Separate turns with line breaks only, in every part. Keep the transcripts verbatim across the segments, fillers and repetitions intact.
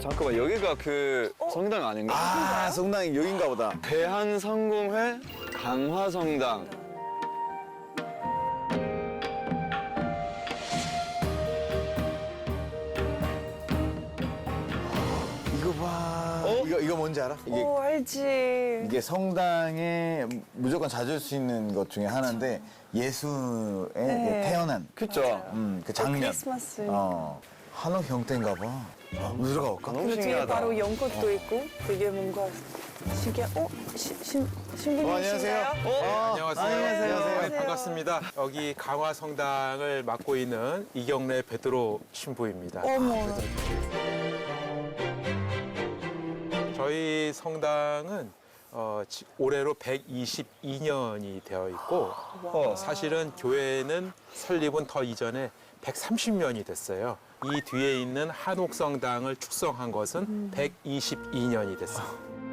잠깐만, 여기가 그 성당 아닌가?
아, 성당이 여긴가 보다.
대한성공회 강화성당.
이거 봐.
어?
이거, 이거 뭔지 알아? 이게,
오, 알지.
이게 성당에 무조건 찾을 수 있는 것 중에 하나인데 예수의
네.
태어난
그쵸?
음, 그 장면.
크리스마스.
어. 한옥 형태인가 봐. 한번 들어가 볼까?
너무
근데 뒤에
신기하다.
바로 연꽃도 있고 되게 뭔가 신기해. 어? 시, 신, 신부님이신가요?
어, 안녕하세요.
어?
안녕하세요.
안녕하세요.
네, 반갑습니다. 여기 강화성당을 맡고 있는 이경래 베드로 신부입니다.
어머.
저희 성당은 어, 지- 올해로 백이십이 년이 되어 있고 어, 사실은 교회는 설립은 더 이전에 백삼십 년이 됐어요. 이 뒤에 있는 한옥성당을 축성한 것은 백이십이 년이 됐어요.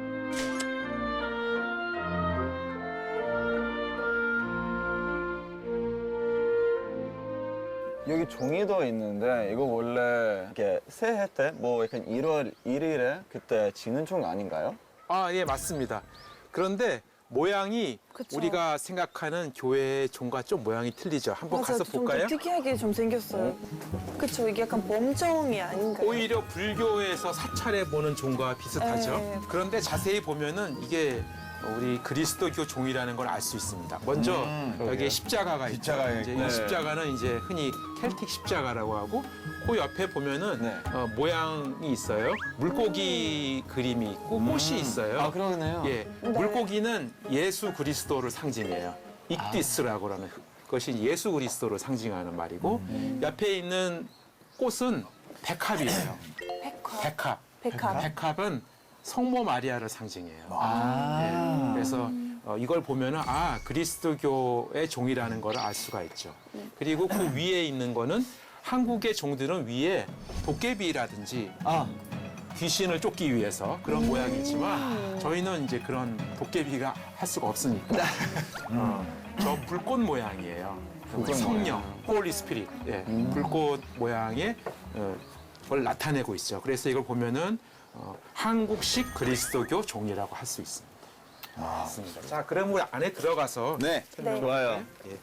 여기 종이도 있는데 이거 원래 이렇게 새해 때 뭐 약간 일월 일일에 그때 지는 종 아닌가요?
아, 예, 맞습니다. 그런데 모양이
그쵸.
우리가 생각하는 교회의 종과 좀 모양이 틀리죠. 한번
맞아,
가서
좀
볼까요?
특이하게 좀 생겼어요. 그쵸, 이게 약간 범종이 아닌가요?
오히려 불교에서 사찰해 보는 종과 비슷하죠.
네.
그런데 자세히 보면은 이게 우리 그리스도교 종이라는 걸 알 수 있습니다. 먼저
음,
여기에 십자가가 있죠.
십자가가
이제
있고.
이 십자가는 이제 흔히 켈틱 십자가라고 하고 그 옆에 보면은
네.
어, 모양이 있어요. 물고기 그림이 있고 꽃이 있어요.
아, 그러네요.
예, 물고기는 예수 그리스도를 상징해요. 익디스라고 하는 것이 예수 그리스도를 상징하는 말이고 옆에 있는 꽃은 백합이에요.
백화.
백합.
백합.
백합은 성모 마리아를 상징해요.
아.
예, 그래서 어, 이걸 보면은 아 그리스도교의 종이라는 걸 알 수가 있죠. 그리고 그 위에 있는 거는 한국의 종들은 위에 도깨비라든지
아,
귀신을 쫓기 위해서 그런 모양이지만 저희는 이제 그런 도깨비가 할 수가 없으니까 어, 저 불꽃 모양이에요.
불꽃
성령, 홀리 스피릿, 예, 불꽃 모양의 어, 걸 나타내고 있죠. 그래서 이걸 보면은 어, 한국식 그리스도교 종이라고 할 수 있습니다. 맞습니다. 자, 그럼 우리 안에 들어가서
네.
네.
좋아요.
예.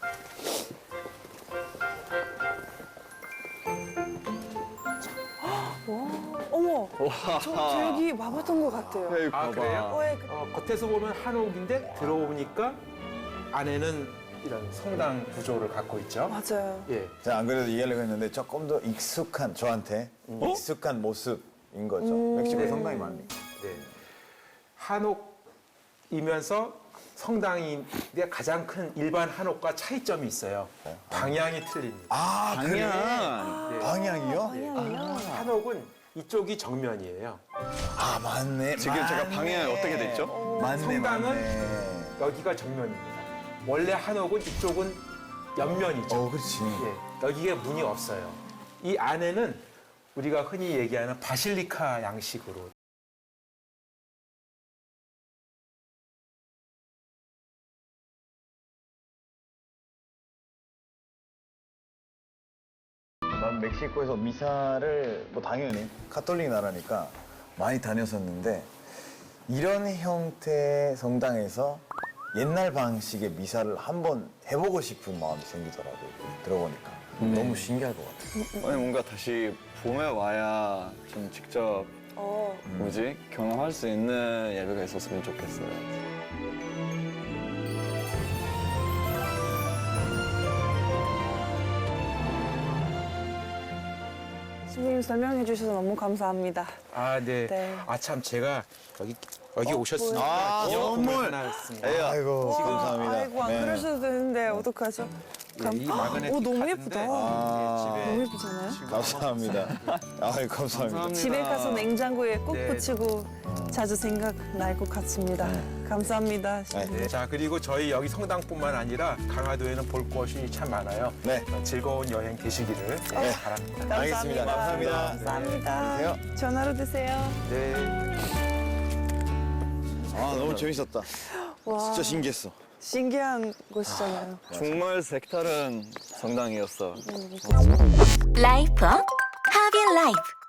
어머, 저, 저 여기 와봤던 것 같아요.
여기
아,
봐봐.
그래요?
어, 예, 그-
어, 겉에서 보면 한옥인데 들어오니까 안에는 이런 성당 구조를 갖고 있죠.
맞아요.
예.
자, 안 그래도 이해하려고 했는데 조금 더 익숙한, 저한테 익숙한 모습인 거죠. 멕시코에 성당이 많으니까.
네. 한옥이면서 성당인데 가장 큰 일반 한옥과 차이점이 있어요. 방향이 틀립니다.
아, 그래?
방향.
네.
방향이요?
방향이요?
한옥은 이쪽이 정면이에요.
아, 맞네.
지금 제가 방향이 어떻게 돼 있죠?
맞네,
성당은
맞네.
여기가 정면입니다. 원래 한옥은 이쪽은 옆면이죠.
어, 그렇지.
예, 여기에 문이 없어요. 이 안에는 우리가 흔히 얘기하는 바실리카 양식으로
난 멕시코에서 미사를 뭐 당연히 카톨릭 나라니까 많이 다녔었는데 이런 형태의 성당에서 옛날 방식의 미사를 한번 해보고 싶은 마음이 생기더라고요. 들어보니까 너무 신기할 것 같아요.
아니, 뭔가 다시 봄에 와야 좀 직접
어,
뭐지? 경험할 수 있는 예배가 있었으면 좋겠어요.
신부님 설명해 주셔서 너무 감사합니다.
아, 네.
네.
아, 참 제가 여기 여기
어,
오셨으니까
아,
기념품을
선물!
하나 했습니다.
에이,
아이고,
와,
감사합니다.
아이고, 안
네.
그러셔도 되는데 어떡하죠? 감...
이 마그네틱
오, 너무
카드인데,
예쁘다.
아.
예,
너무
집에
예쁘잖아요?
감사합니다. 아이, 감사합니다.
감사합니다.
집에 가서 냉장고에 꼭
네.
붙이고 자주 생각날 것 같습니다. 감사합니다.
네.
네. 자, 그리고 저희 여기 성당뿐만 아니라 강화도에는 볼 곳이 참 많아요.
네.
어, 즐거운 여행 되시기를 네, 바랍니다.
알겠습니다. 감사합니다.
감사합니다.
안녕히 계세요.
전화로 드세요.
네.
아, 너무 재밌었다.
와,
진짜 신기했어.
신기한 곳이잖아요.
정말 색다른 성당이었어.
라이프 하비 라이프